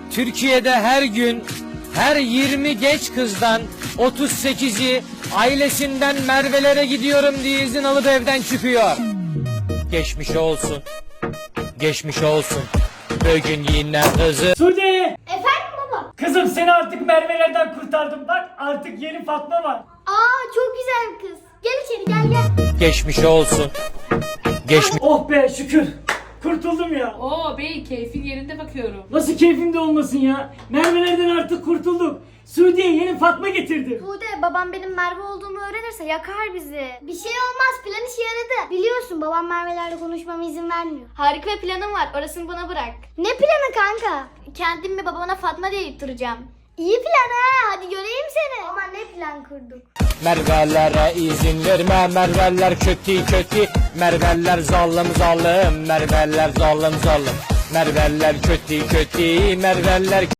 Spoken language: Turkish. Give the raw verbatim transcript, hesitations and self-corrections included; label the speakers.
Speaker 1: Türkiye'de her gün her yirmi genç kızdan otuz sekizi ailesinden Merve'lere gidiyorum diye izin alıp evden çıkıyor. Geçmiş olsun. Geçmiş olsun. Bugün yine kızı.
Speaker 2: Sude!
Speaker 3: Efendim baba?
Speaker 2: Kızım seni artık Merve'lerden kurtardım. Bak artık yeni Fatma var.
Speaker 3: Aa çok güzel bir kız. Gel içeri gel gel.
Speaker 1: Geçmiş olsun. Geçmiş.
Speaker 2: Oh be şükür. Kurtuldum ya.
Speaker 4: Oo bey keyfin yerinde bakıyorum.
Speaker 2: Nasıl keyfimde olmasın ya? Merve'lerden artık kurtulduk. Sude'ye yeni Fatma getirdim.
Speaker 3: Sude babam benim Merve olduğumu öğrenirse yakar bizi. Bir şey olmaz, plan işe yaradı. Biliyorsun babam Merve'lerle konuşmama izin vermiyor. Harika bir planım var, orasını bana bırak. Ne planı kanka? Kendim mi babana Fatma deyip duracağım. İyi plan ha, hadi göreyim seni. Ama ne plan kurduk?
Speaker 1: Merve'lere izin verme. Merve'ler kötü kötü. Merve'ler zalim zalim. Merve'ler zalim zalim. Merve'ler kötü kötü. Merve'ler